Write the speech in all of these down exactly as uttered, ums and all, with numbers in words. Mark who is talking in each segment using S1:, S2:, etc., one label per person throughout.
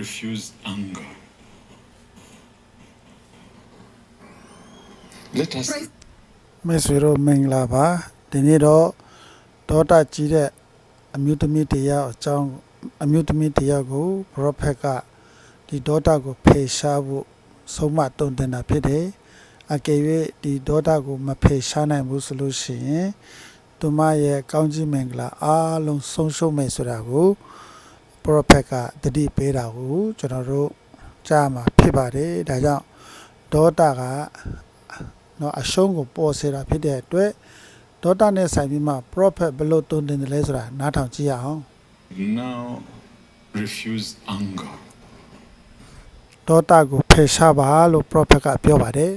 S1: refuse anger. Let us
S2: မိတ်ဆွေတို့မင်္ဂလာပါဒီနေ့တော့ဒေါတာကြီးတဲ့အမျိုးသမီးတရားအကြောင်းအမျိုးသမီးတရားကို prophet ကဒီဒေါတာကိုဖေရှားဖို့ဆုံးမတုံ့တင်တာဖြစ်တယ်အကယ်၍ဒီဒေါတာကိုမဖေရှားနိုင်ဘူးဆိုလို့ရှိရင်သူမရဲ့ကောင်းကြီးမင်္ဂလာအားလုံးဆုံးရှုံးမယ်ဆိုတာကို prophet ကတတိပေးတာကိုကျွန်တော်တို့ကြားမှာဖြစ်ပါတယ်ဒါကြောင့်ဒေါတာကနော်အရှုံးကိုပေါ်စေတာဖြစ်တဲ့အတွက်ဒေါတာနဲ့ဆိုင်ပြီးမှ prophet ဘယ်လိုတုံ့တင်တယ်လဲဆိုတာနားထောင်ကြည့်ရအောင်
S1: now refuse anger.
S2: ဒေါတာကိုဖယ်ရှားပါလို့ prophet ကပြောပါတယ်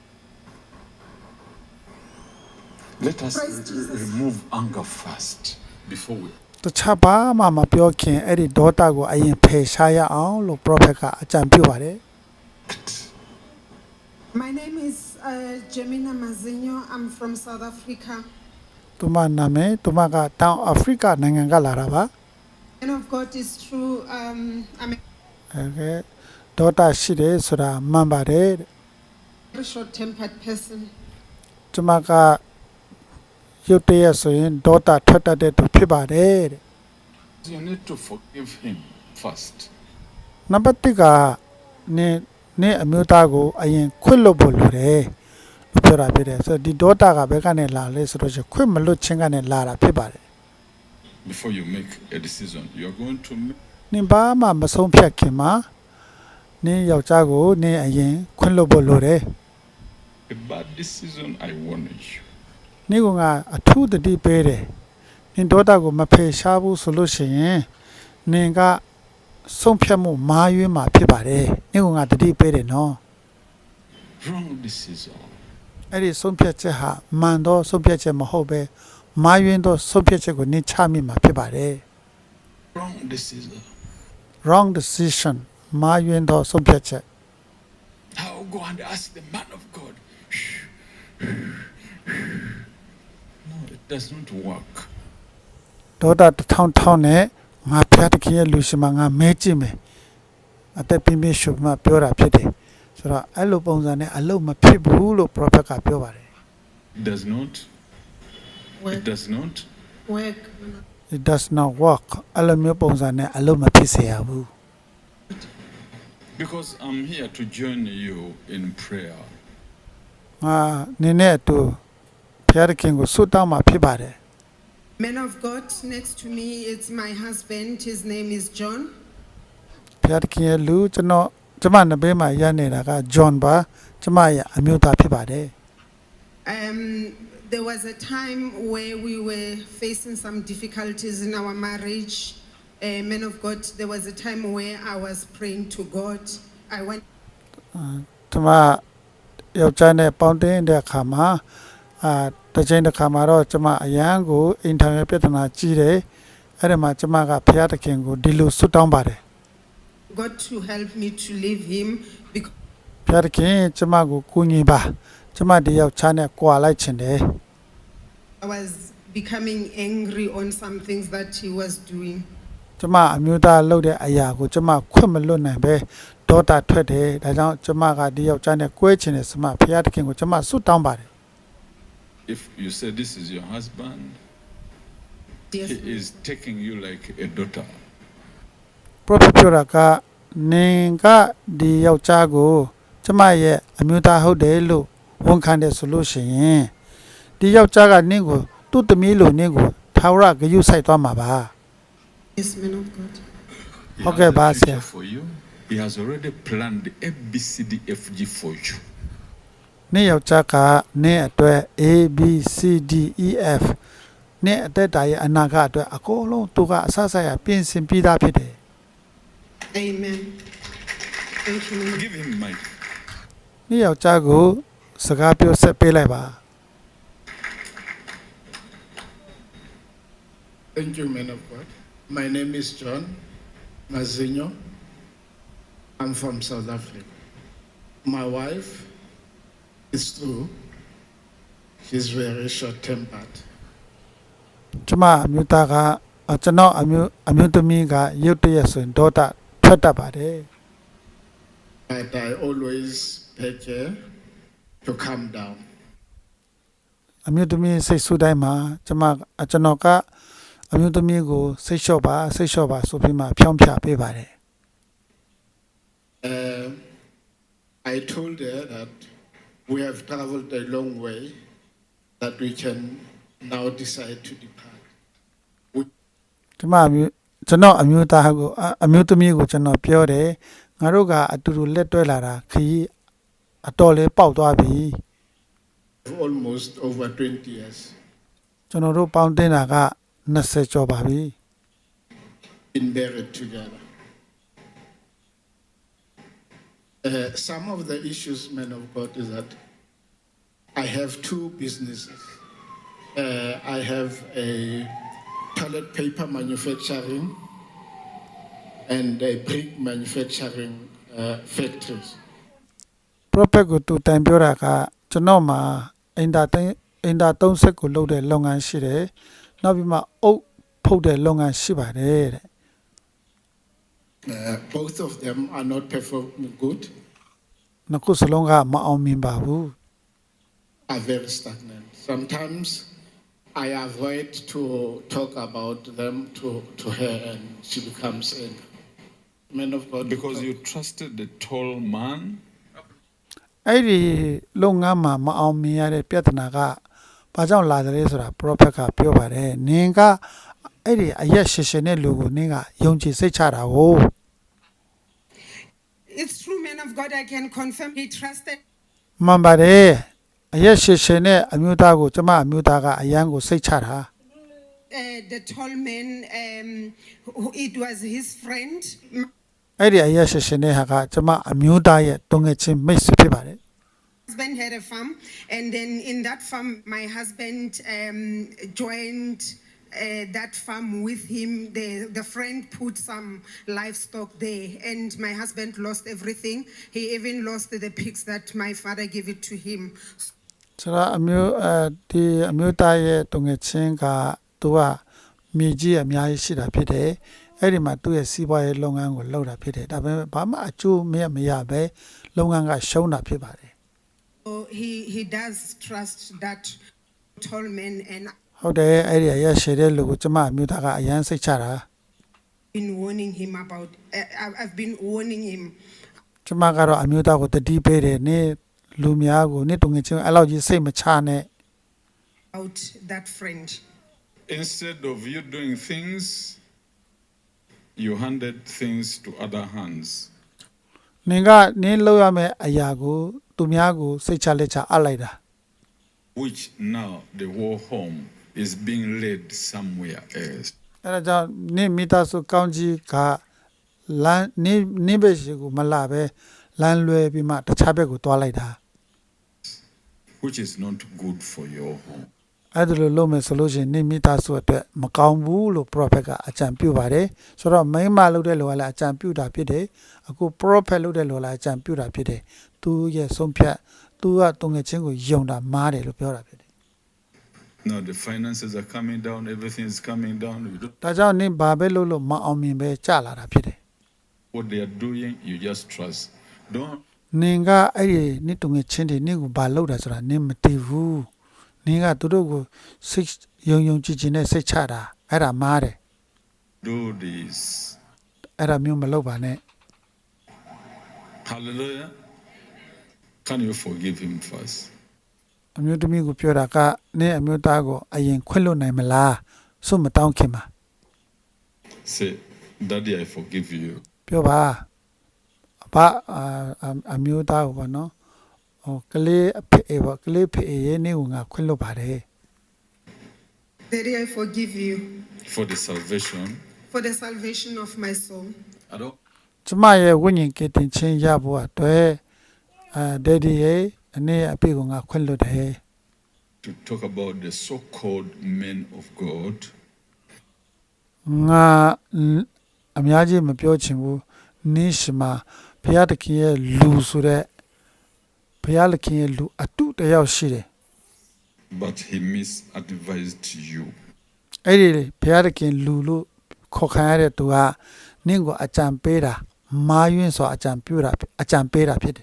S1: Let us re- remove anger first before we
S2: တခြားဘာမှမပြောခင်အဲ့ဒီဒေါတာကိုအရင်ဖယ်ရှားရအောင်လို့ prophet ကအကြံပြုပါတယ်
S1: act.
S3: My name is uh, Gemina Mazinho. I'm from South Africa.
S2: သူမနာမည်သူမကတောင်အာဖရိကနိုင်ငံကလာတာပါ
S3: And of God is true. Um, I'm
S2: အဲ့ကဲဒေါတာရှိတယ်ဆိုတာမှန်ပါတယ်တဲ့
S3: a very short-tempered person.
S2: ကျွန်မကရုတ်တရက်ဆိုရင်ဒေါတာထွက်တတ်တဲ့သူဖြစ်ပါတယ်တဲ့
S1: You need to forgive him first.
S2: နံပါတ်တစ်ကနင်းနင်းအမျိုးသားကိုအရင်ခွင့်လွတ်ဖို့လိုတယ်လို့ပြောတာဖြစ်တယ်ဆိုတော့ဒီဒေါတာကဘယ်ကနေလာလဲဆိုတော့ခွင့်မလွတ်ခြင်းကနေလာတာဖြစ်ပါတယ်
S1: Before you make a decision, you are going to make
S2: နင်ဘာမှမဆုံးဖြတ်ခင်မှာနင်းယောက်ျားကိုနင်းအရင်ခွင့်လွတ်ဖို့လိုတယ်
S1: a bad decision. I warn you.
S2: နင်းကအထူးတတိပေးတယ်နင်ဒေါတာကိုမဖယ်ရှားဘူးဆိုလို့ရှိရင်နင်ကဆုံးဖြတ်မှုမာရွေးမှာဖြစ်ပါတယ်နင်းကတတိပေးတယ်နော်
S1: Wrong decision.
S2: အဲ့ဒီဆုံးဖြတ်ချက်ဟာမှန်တော့ဆုံးဖြတ်ချက်မဟုတ်ပဲမာရွေးတော့ဆုံးဖြတ်ချက်ကိုနင်ချမိမှာဖြစ်ပါတယ်
S1: Wrong decision.
S2: wrong decision မာရွေးတော့ဆုံးဖြတ်ချက်
S1: I'll go and ask the man of God. No, it does not work.
S2: ဒေါတာတစ်ထောင်ထောင်နဲ့ငါဖျားတခင်ရဲ့လူရှင်မငါမဲကြည့်မယ်အသက်ပြင်းပြင်းရှုပ်မှပြောတာဖြစ်တယ်ဆိုတော့အဲ့လိုပုံစံနဲ့အလုပ်မဖြစ်ဘူးလို့ prophet ကပြောပါတယ်
S1: It does not. It
S3: Work,
S1: does not.
S3: work.
S2: it does not work အဲ့လိုမျိုးပုံစံနဲ့အလုပ်မဖြစ်စေရဘူး
S1: Because I'm here to join you in prayer.
S2: ငါနင်းနဲ့အတူဖျားတခင်ကိုဆုတောင်းမှာဖြစ်ပါတယ်
S3: Man of God, next to me, it's my husband. His name is John.
S2: ဖျားတခင်ရဲ့လူကျွန်တော်ကျမနဘေးမှာရနေတာက John ပါကျမရဲ့အမျိုးသားဖြစ်ပါတယ်
S3: Um, there was a time where we were facing some difficulties in our marriage. Uh, man of God, there was a time where I was praying to God. I went
S2: ကျမယောက်ျားနဲ့ပေါင်းတင်တဲ့အခါမှာအာတစ်ချိန်တစ်ခါမှာတော့ကျမအရန်ကိုအိမ်ထောင်ရဲ့ပြဿနာကြီးတယ်အဲ့ဒီမှာကျမကဖျားတခင်ကိုဒီလိုဆုတောင်းပါတယ်
S3: God to help me to leave him because
S2: ဖျားတခင်ကျမကိုကူညီပါကျမဒီယောက်ျားနဲ့ကြွာလိုက်ချင်တယ်
S3: I was becoming angry on some things that he was doing.
S2: ကျမအမျိုးသားလုပ်တဲ့အရာကိုကျမခွင့်မလွတ်နိုင်ပဲဒေါတာထွက်တယ်ဒါကြောင့်ကျမကဒီယောက်ျားနဲ့ကွဲချင်တယ်စမဖျားတခင်ကိုကျမဆုတောင်းပါတယ်
S1: If you say this is your husband,
S3: Yes.
S1: he is taking you like a daughter.
S2: prophet ပြောတာကနင်ကဒီယောက်ျားကိုကျမရဲ့အမျိုးသားဟုတ်တယ်လို့ဝန်ခံတယ်ဆိုလို့ရှိရင်ဒီယောက်ျားကနင့်ကိုသူ့သမီးလိုနင့်ကိုထာဝရဂရုစိုက်သွားမှာပါ
S3: Yes, man of God.
S1: He
S2: Okay,
S1: has a
S2: boss,
S1: future
S2: yeah.
S1: for you. He has already planned A B C D F G for you.
S2: နင့်ယောက်ျားကနင့်အတွက် A B C D E F နင့်အသက်တာရဲ့အနာဂတ်အတွက်အကုန်လုံးသူကအဆအဆက်ရပြင်ဆင်ပြီးသားဖြစ်တယ်
S3: Amen. Thank you, man of
S1: Give him mic.
S2: နင့်ယောက်ျားကိုစကားပြောဆက်ပေးလိုက်ပါ
S4: Thank you, man of God. My name is John Mazinho. I'm from South Africa. My wife is true. She's very short-tempered.
S2: ကျမအမျိုးသားကကျွန်တော်အမျိုးအမျိုးသမီးကရုတ်တရက်ဆိုရင်ဒေါတာထထွက်တတ်ပါတယ်
S4: but I always take care to calm down.
S2: အမျိုးသမီးစိတ်ဆူတိုင်းမှာကျမကျွန်တော်ကအမျိုးသမီးကိုစိတ်လျှော့ပါစိတ်လျှော့ပါဆိုပြီးမှဖြောင်းဖြပေးပါတယ်
S4: Uh, I told her that we have traveled a long way, that we can now decide to depart.
S2: ဒီမှာကျွန်တော်အမျိုးသားကိုအမျိုးသမီးကိုကျွန်တော်ပြောတယ်ငါတို့ကအတူတူလက်တွဲလာတာခရီးအတော်လေးပေါက်သွားပြီ
S4: Almost over twenty years.
S2: ကျွန်တော်တို့ပေါင်းတင်တာကtwentyကျော်ပါပြီ
S4: Been buried together. Uh, some of the issues, men of God, is that I have two businesses. Uh, I have a toilet paper manufacturing and a brick manufacturing uh, factories.
S2: prophet ကိုတူတိုင်ပြောတာကကျွန်တော်မှာအင်တာတိုင်းအင်တာthirtyကိုလုပ်တဲ့လုပ်ငန်းရှိတယ်နောက်ပြီးမှအုပ်ဖုတ်တဲ့လုပ်ငန်းရှိပါတယ်တဲ့
S4: Uh, both of them are not performing good,
S2: နှစ်ခုစလုံးကမအောင်မြင်ပါဘူး
S4: are very stagnant. Sometimes I avoid to talk about them to, to her and she becomes angry. Men of God,
S1: Because you trusted the tall man.
S2: အဲ့ဒီလုပ်ငန်းမှာမအောင်မြင်ရတဲ့ပြဿနာကဘာကြောင့်လာတယ်လဲဆိုတာ prophet ကပြောပါတယ်နင်ကအဲ့ဒီအရက်ရှည်ရှည်နဲ့လူကိုနင်ကယုံကြည်စိတ်ချတာကို
S3: It's true, man of God, I can confirm he trusted
S2: မှန်ပါတယ်အရက်ရှည်ရှည်နဲ့အမျိုးသားကိုကျမအမျိုးသားကအယံကိုစိတ်ချတာ
S3: uh, the tall man, um, who, it was his friend.
S2: အဲ့ဒီအရက်ရှည်ရှည်နဲ့ဟာကကျမအမျိုးသားရဲ့တုံငယ်ချင်းမိတ်ဆွေဖြစ်ပါတယ်
S3: My husband had a farm, and then in that farm, my husband um, joined uh, that farm with him. The, the friend put some livestock there, and my husband lost everything. He even lost the pigs that my father gave it to him.
S2: ဆိုတော့အမျိုးအဲဒီအမျိုးသားရဲ့တုံငယ်ချင်းကသူကမြေကြီးအများကြီးရှိတာဖြစ်တယ်အဲ့ဒီမှာသူ့ရဲ့စီးပွားရေးလုပ်ငန်းကိုလုပ်တာဖြစ်တယ်ဒါပေမဲ့ဘာမှအကျိုးမရမရပဲလုပ်ငန်းကရှုံးတာဖြစ်ပါတယ်
S3: So he, he does trust that tall man, and
S2: ဟုတ်တယ်အဲ့ဒီအရက်ရှည်တဲ့လူကိုကျမအမျိုးသားကအယံစိတ်ချတာ
S3: I've been warning him about. Uh, I've I've been warning him
S2: ကျမကတော့အမျိုးသားကိုတတိပေးတယ်နေလူများကိုနေတုံငယ်ချင်းအဲ့လောက်ကြီးစိတ်မချနဲ့
S3: about that friend.
S1: Instead of you doing things, you handed things to other hands.
S2: နင်ကနင်းလောက်ရမယ့်အရာကိုသူများကိုစိတ်ချလက်ချအပ်လိုက်တာ
S1: Which now the whole home is being led somewhere else.
S2: အဲ့ဒါကြောင့်နင့်မိသားစုကောင်းကြီးကလမ်းနင်းနင်းပဲရှိကိုမလာပဲလမ်းလွဲပြီးမှတခြားဘက်ကိုတွားလိုက်တာ
S1: Which is not good for your home.
S2: အဲ့ဒါလိုလုပ်မယ်ဆိုလို့ရှိရင်နင့်မိသားစုအတွက်မကောင်းဘူးလို့ prophet ကအကြံပြုပါတယ်ဆိုတော့မိန်းမလုပ်တဲ့လူကလည်းအကြံပြုတာဖြစ်တယ်အခု prophet လုပ်တဲ့လူကလည်းအကြံပြုတာဖြစ်တယ်သူရဲ့ဆုံးဖြတ်သူကတုံငယ်ချင်းကိုယုံတာမားတယ်လို့ပြောတာဖြစ်တယ်
S1: Now the finances are coming down, everything is coming down. You don't
S2: ဒါကြောင့်နင့်ဘာပဲလုပ်လို့မအောင်မြင်ပဲကြာလာတာဖြစ်တယ်
S1: what they are doing, you just trust. Don't
S2: နင်ကအဲ့ဒီနင့်တုံငယ်ချင်းတွေနင့်ကိုဘာလုပ်တာဆိုတာနင့်မသိဘူးနင်ကသူတို့ကိုစိတ်ယုံယုံကြည်ကြည်နဲ့စိတ်ချတာအဲ့ဒါမားတယ်
S1: do this.
S2: အဲ့ဒါမျိုးမလုပ်ပါနဲ့
S1: Hallelujah. Can you forgive him first?
S2: အမျိုးသမီးကိုပြောတာကနင့်အမျိုးသားကိုအရင်ခွင့်လွှတ်နိုင်မလားစွတ်မတောင်းခင်မှာ
S1: Say, Daddy, I forgive you.
S2: ပြောပါဘာအမျိုးသားကိုပေါ့နော်ဟိုကလေးအဖေပေါ့ကလေးဖေရဲ့နေကိုငါခွင့်လွှတ်ပါတယ်
S3: Daddy, I forgive you
S1: For the salvation.
S3: for the salvation of my soul.
S1: I don't
S2: ကျမရဲ့ဝိညာဉ်ကယ်တင်ခြင်းရဖို့အတွက်အဲဒက်ဒီရဲ့အနေအဖေကိုငါခွင့်လွှတ်တယ်
S1: to talk about the so-called men of God.
S2: ငါအများကြီးမပြောချင်ဘူးနိရှမဘုရားသခင်ရဲ့လူဆိုတဲ့ဘုရားသခင်ရဲ့လူအတုတယောက်ရှိတယ်
S1: But he misadvised you.
S2: အဲ့ဒီဘုရားသခင်လူလို့ခေါ်ခံရတဲ့သူကနင့်ကိုအကြံပေးတာမာယွင်းစွာအကြံပြုတာအကြံပေးတာဖြစ်တယ်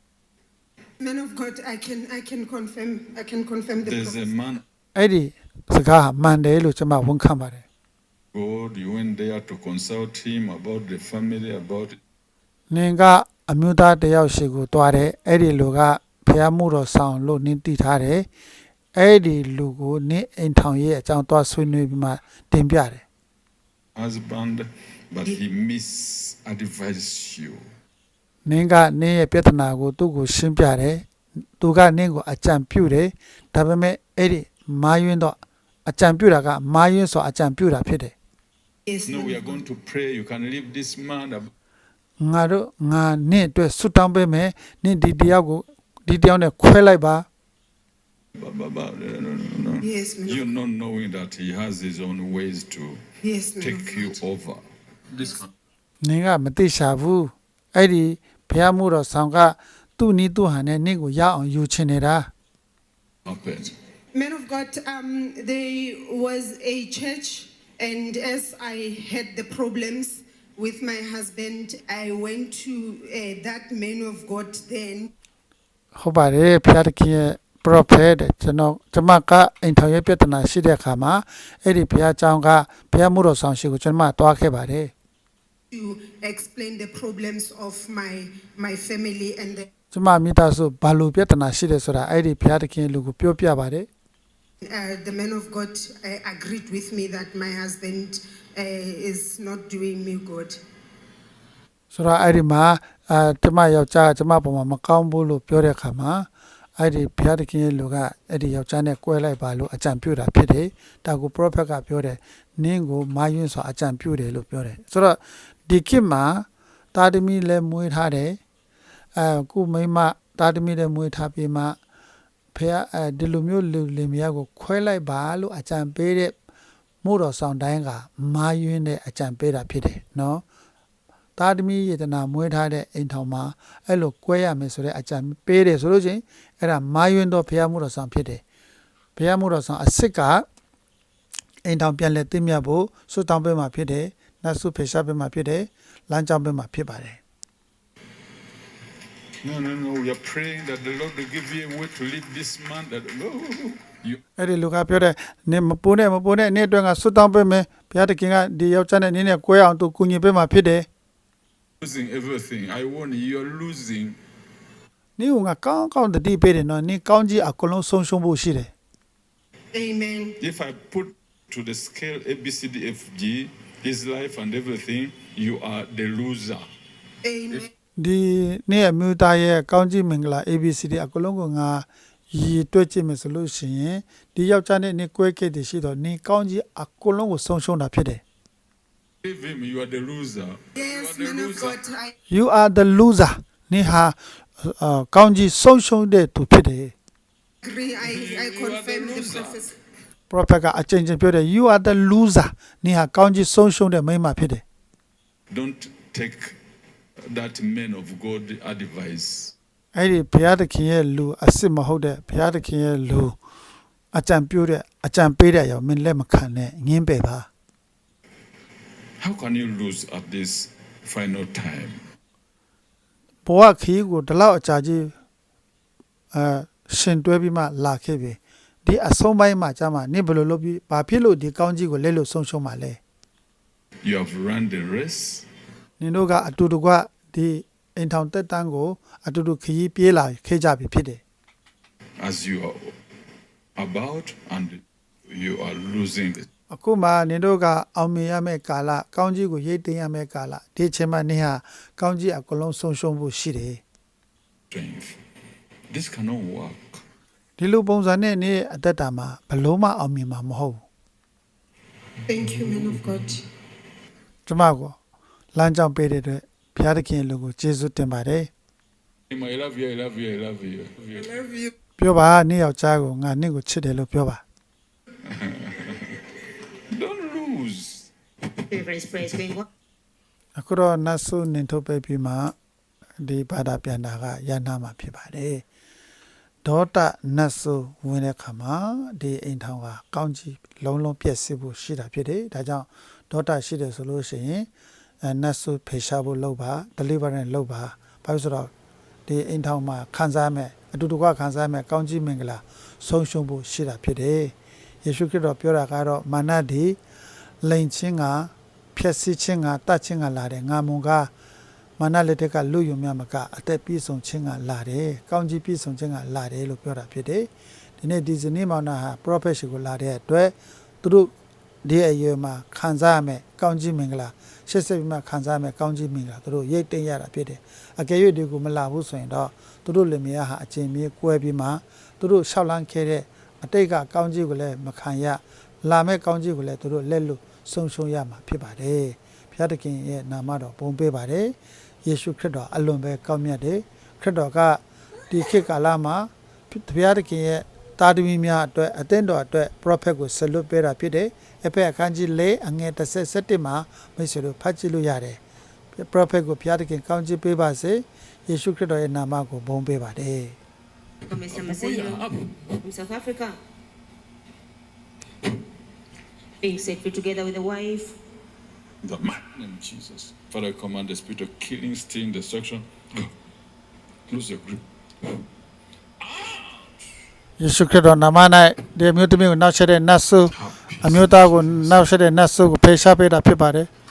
S3: Man of God, I can I can confirm I can confirm the
S1: There's a
S3: prophecy.
S1: man,
S2: အဲ့ဒီစကားဟာမှန်တယ်လို့ကျွန်မဝန်ခံပါတယ်
S1: God, you went there to consult him about the family, about
S2: နင်ကအမျိုးသားတစ်ယောက်ရှိကိုတွားတယ်အဲ့ဒီလူကဖျားမှုတော်ဆောင်လို့နင်တည်ထားတယ်အဲ့ဒီလူကိုနင်အိမ်ထောင်ရဲ့အကြောင်းတွားဆွေးနွေးပြီးမှတင်ပြတယ်
S1: husband, but he misadvised you.
S2: နင်ကနင်ရဲ့ပြဿနာကိုသူ့ကိုရှင်းပြတယ်သူကနင်ကိုအကြံပြုတယ်ဒါပေမဲ့အဲ့ဒီမာယွင်းတော့အကြံပြုတာကမာယွင်းဆိုအကြံပြုတာဖြစ်တယ်
S3: Yes,
S1: No,
S3: man
S1: we
S3: of
S1: are
S3: God.
S1: going to pray. You can leave this man. ab-
S2: ငါတို့ငါနင့်အတွက်ဆွတောင်းပေးမယ်နင့်ဒီတယောက်ကိုဒီတယောက်နဲ့ခွဲလိုက်ပါ
S1: ba- ba- ba- No, no, no, no.
S3: Yes, man of
S1: You're not knowing that he has his own ways to
S3: Yes, man of
S1: take you
S3: God.
S1: over. This can
S2: နင်ကမသိရှာဘူးအဲ့ဒီဘုရားမှုတော်ဆောင်ကသူ့နီးသူ့ဟန်နဲ့နင့်ကိုရအောင်ယူချင်နေတာ
S1: happen.
S3: Man of God, um, there was a church, and as I had the problems with my husband, I went to uh, that man of God then.
S2: ဟုတ်ပါတယ်ဘုရားသခင်ရဲ့ prophet တဲ့ကျွန်တော်ကျွန်မကအိမ်ထောင်ရဲ့ပြဿနာရှိတဲ့အခါမှာအဲ့ဒီဘုရားကျောင်းကဘုရားမှုတော်ဆောင်ရှိကိုကျွန်မတွားခဲ့ပါတယ်
S3: To explain the problems of my my family and the,
S2: ကျွန်မမိသားစုဘာလို့ပြဿနာရှိတယ်ဆိုတာအဲ့ဒီဘုရားသခင်လူကိုပြောပြပါတယ်
S3: uh, the man of God uh, agreed with me that my husband uh, is not doing me good.
S2: ဆိုတော့အဲ့ဒီမှာအဲကျွန်မယောက်ျားကျွန်မပုံမှာမကောင်းဘူးလို့ပြောတဲ့အခါမှာအဲ့ဒီဘုရားသခင်ရဲ့လူကအဲ့ဒီယောက်ျားနဲ့ကွဲလိုက်ပါလို့အကြံပြုတာဖြစ်တယ်ဒါကို prophet ကပြောတယ်နင်းကိုမာယွန်းစွာအကြံပြုတယ်လို့ပြောတယ်ဆိုတော့ဒီခေတ်မှာတာသမီလည်းမွေးထားတယ်အဲခုမိန်းမတာသမီလည်းမွေးထားပြီးမှဖះအဲဒီလိုမျိုးလူလင်မယားကိုခွဲလိုက်ပါလို့အကြံပေးတဲ့မို့တော်ဆောင်တိုင်းကမာယွန်းတဲ့အကြံပေးတာဖြစ်တယ်နော်တာသမီယေတနာမွေးထားတဲ့အိမ်ထောင်မှာအဲ့လိုကွဲရမယ်ဆိုတဲ့အကြံပေးတယ်ဆိုလို့ချင်းအဲ့ဒါမာယွန်းတော့ဖះမို့တော်ဆောင်ဖြစ်တယ်ဖះမို့တော်ဆောင်အစ်စ်ကအိမ်ထောင်ပြန်လဲသိမြတ်ဖို့ဆွတောင်းပေးမှာဖြစ်တယ်နတ်ဆုဖေရှားပေးမှာဖြစ်တယ်လမ်းကြောင်းပေးမှာဖြစ်ပါတယ်
S1: No, no, no. We are praying that the Lord will give you a way to leave this man. That no, you
S2: အဲ့ဒီလူကပြောတယ်နင်မပိုးနဲ့မပိုးနဲ့နေ့အတွင်းကဆွတောင်းပေးမယ်ဘုရားသခင်ကဒီယောက်ျားနဲ့နင်းနဲ့ကွဲအောင်သူကူညီပေးမှာဖြစ်တယ်
S1: losing everything. I warn you, you're losing.
S2: နင်ကကောင်းကောင်းတတိပေးတယ်နော်နင်ကောင်းကြီးအကုန်လုံးဆုံးရှုံးဖို့ရှိတယ်
S3: Amen.
S1: If I put to the scale A, B, C, D, F, G, his life and everything, you are the loser.
S3: Amen.
S2: ဒီနေ့အမျိုးသားရဲ့ကောင်းကြီးမင်္ဂလာ A B C D အကုန်လုံးကငါရည်တွက်ကြည့်မယ်ဆိုလို့ရှိရင်ဒီယောက်ျားနဲ့နင်ကွဲခဲ့တယ်ရှိတော့နင်ကောင်းကြီးအကုန်လုံးကိုဆုံးရှုံးတာဖြစ်တယ်
S1: Leave him, you are the loser.
S3: Yes,
S1: you are
S3: man
S1: the
S3: of
S1: loser.
S3: God, I
S2: You are the loser နင်ဟာအာကောင်းကြီးဆုံးရှုံးတဲ့သူဖြစ်တယ်
S3: agree. I,
S1: You
S3: I
S1: are the
S3: confirm the
S1: loser.
S3: prophecy.
S2: prophet ကအချင်းချင်းပြောတယ် you are the loser နင်ဟာကောင်းကြီးဆုံးရှုံးတဲ့မိန်းမဖြစ်တယ်
S1: Don't take that man of God advice.
S2: အဲ့ဒီဘုရားသခင်ရဲ့လူအစ်စ်မဟုတ်တဲ့ဘုရားသခင်ရဲ့လူအကြံပြုတဲ့အကြံပေးတဲ့အရာမင်းလက်မခံနဲ့ငင်းပယ်ပါ
S1: How can you lose at this final time?
S2: ဘဝခီးကိုဒီလောက်အကြာကြီးအဲရှင်တွဲပြီးမှလာခဲ့ပြီဒီအဆုံးပိုင်းမှာကြာမှနင်ဘယ်လိုလုပ်ပြီးဘာဖြစ်လို့ဒီကောင်းကြီးကိုလက်လို့ဆုံးရှုံးမှာလဲ
S1: You have run the race.
S2: နင်တို့ကအတူတကွဒီအိမ်ထောင်တက်တန်းကိုအတူတူခရီးပြေးလာခဲ့ကြပြီဖြစ်တယ်
S1: As you are about and you are losing it.
S2: အခုမှနင်တို့ကအောင်မြင်ရမယ့်ကာလကောင်းကြီးကိုရိတ်သိမ်းရမယ့်ကာလဒီအချိန်မှာနင်ဟာကောင်းကြီးအကုန်လုံးဆုံးရှုံးဖို့ရှိတယ်
S1: Strength. This cannot work.
S2: ဒီလိုပုံစံနဲ့နေအသက်တာမှာဘလို့မှအောင်မြင်မှာမဟုတ်ဘူး
S3: Thank you, man of God.
S2: ကျွန်မကိုလမ်းကြောင်းပေးတဲ့အတွက်ဘုရားသခင်လူကိုကျေးဇူးတင်ပါတယ်
S1: I love you, I love you, I love you.
S3: I love you.
S2: ပြောပါနေ့ယောက်ျားကိုငါနေ့ကိုချစ်တယ်လို့ပြောပါ
S1: Don't lose.
S5: Praise, praise, going on.
S2: အခုတော့နတ်ဆုနင်ထုတ်ပေးပြီးမှဒီဘာသာပြန်တာကရနာမှာဖြစ်ပါတယ်ဒေါတနတ်ဆုဝင်တဲ့ခါမှာဒီအိမ်ထောင်ကကောင်းကြီးလုံးလုံးပြည့်စုံဖို့ရှိတာဖြစ်တယ်ဒါကြောင့်ဒေါတရှိတယ်ဆိုလို့ရှိရင်အဲနတ်ဆုဖေရှားဖို့လုပ်ပါ deliverance လုပ်ပါဘာလို့ဆိုတော့ဒီအိမ်ထောင်မှာခံစားမဲ့အတူတကွခံစားမဲ့ကောင်းကြီးမင်္ဂလာဆုံးရှုံးဖို့ရှိတာဖြစ်တယ်ယေရှုခရစ်တော်ပြောတာကတော့မာနဒီလိန်ချင်းကဖြက်စီးခြင်းကတတ်ခြင်းကလာတယ်ငါမုံကမာနလက်ထက်ကလူယုံမြမကအသက်ပြည့်စုံခြင်းကလာတယ်ကောင်းကြီးပြည့်စုံခြင်းကလာတယ်လို့ပြောတာဖြစ်တယ်ဒီနေ့ဒီဇနီးမောင်နှံဟာ prophet ရှိကိုလာတဲ့အတွက်သူတို့ဒီအရွယ်မှာခံစားရမယ်ကောင်းကြီးမင်္ဂလာရှစ်ဆက်ပြီးမှခံစားရမယ်ကောင်းကြီးမင်္ဂလာသူတို့ရိတ်သိမ်းရတာဖြစ်တယ်အကယ်၍ဒီကိုမလာဘူးဆိုရင်တော့သူတို့လင်မယားဟာအချင်းမြေကွဲပြီးမှသူတို့ရှောက်လန်းခဲ့တဲ့အတိတ်ကကောင်းကြီးကိုလည်းမခံရလာမဲ့ကောင်းကြီးကိုလည်းသူတို့လက်လွတ်ဆုံးရှုံးရမှာဖြစ်ပါတယ်ဘုရားသခင်ရဲ့နာမတော်ပုံပေးပါတယ်ယေရှုခရစ်တော်အလွန်ပဲကောင်းမြတ်တယ်ခရစ်တော်ကဒီခေတ်ကာလမှာဘုရားသခင်ရဲ့တာသမီများအတွက်အသင်းတော်အတွက် prophet ကိုဆလွတ်ပေးတာဖြစ်တယ်အဖက်အခန်းကြီး၄အငယ်၁၁မှာမိတ်ဆွေတို့ဖတ်ကြည့်လို့ရတယ် prophet ကိုဘုရားသခင်ကောင်းချီးပေးပါစေယေရှုခရစ်တော်ရဲ့နာမကိုဘုန်းပေးပါတယ်
S5: Mister Masenyo from South Africa. Being set free together with the wife.
S1: In the mighty name of Jesus. Father, I command the spirit of killing, stealing, destruction. Go. Lose your grip.
S2: ယေရှုခရစ်တော်နာမ၌ဒီအမျိုးသမီးကိုနောက်ဆက်တဲ့နတ်ဆုအမျိုးသားကိုနောက်ဆက်တဲ့နတ်ဆုကိုဖေရှားပေးတာဖြစ်ပါတယ်